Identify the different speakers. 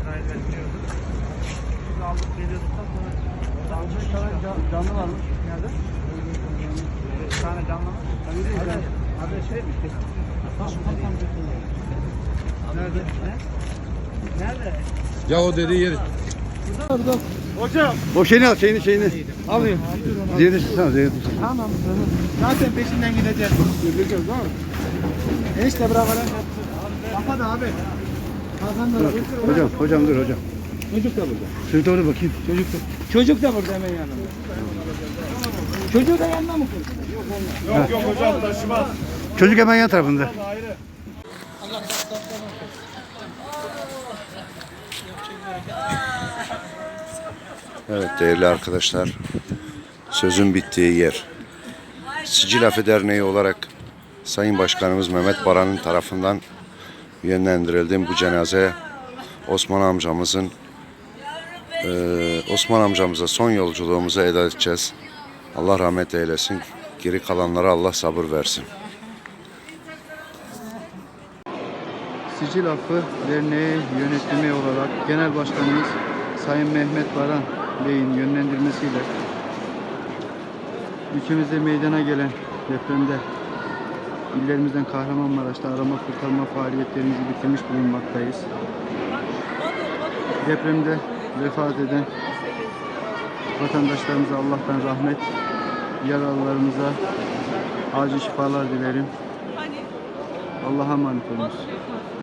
Speaker 1: mesai vermiyordu. Biz aldık geliyorduktan sonra
Speaker 2: Bir tane canlı varmış. Nerede?
Speaker 1: 5 tane canlı var.
Speaker 2: Abi şey mi? Nerede?
Speaker 1: Nerede?
Speaker 3: Ya o dediği yeri.
Speaker 1: Hocam.
Speaker 2: O şeyini al, şeyini.
Speaker 1: Alayım.
Speaker 2: Zeytin tutsana, zeytin tutsana.
Speaker 1: Tamam. Zaten peşinden gideceğiz.
Speaker 2: Göreceğiz değil mi?
Speaker 1: Enişte bırak lan. Kapat abi. Hakan da
Speaker 2: Hocam dur hocam.
Speaker 1: Çocuk da burada.
Speaker 2: Şunu doğru bakayım.
Speaker 1: Çocuk da burada hemen yanında. Çocuğu da yanına mı koydun?
Speaker 3: Yok hocam taşımaz.
Speaker 2: Çocuk hemen yan tarafında.
Speaker 4: Evet değerli arkadaşlar, sözün bittiği yer. Sicil Afı Derneği olarak Sayın Başkanımız Mehmet Baran'ın tarafından yönlendirildiğim bu cenaze Osman amcamıza son yolculuğumuza eda edeceğiz. Allah rahmet eylesin. Geri kalanlara Allah sabır versin.
Speaker 2: Sicil Affı Derneği yönetimi olarak Genel Başkanımız Sayın Mehmet Baran Bey'in yönlendirmesiyle ülkemizde meydana gelen depremde illerimizden Kahramanmaraş'ta arama kurtarma faaliyetlerimizi bitirmiş bulunmaktayız. Depremde vefat eden vatandaşlarımıza Allah'tan rahmet, yaralılarımıza acil şifalar dilerim. Allah'a emanet olunuz.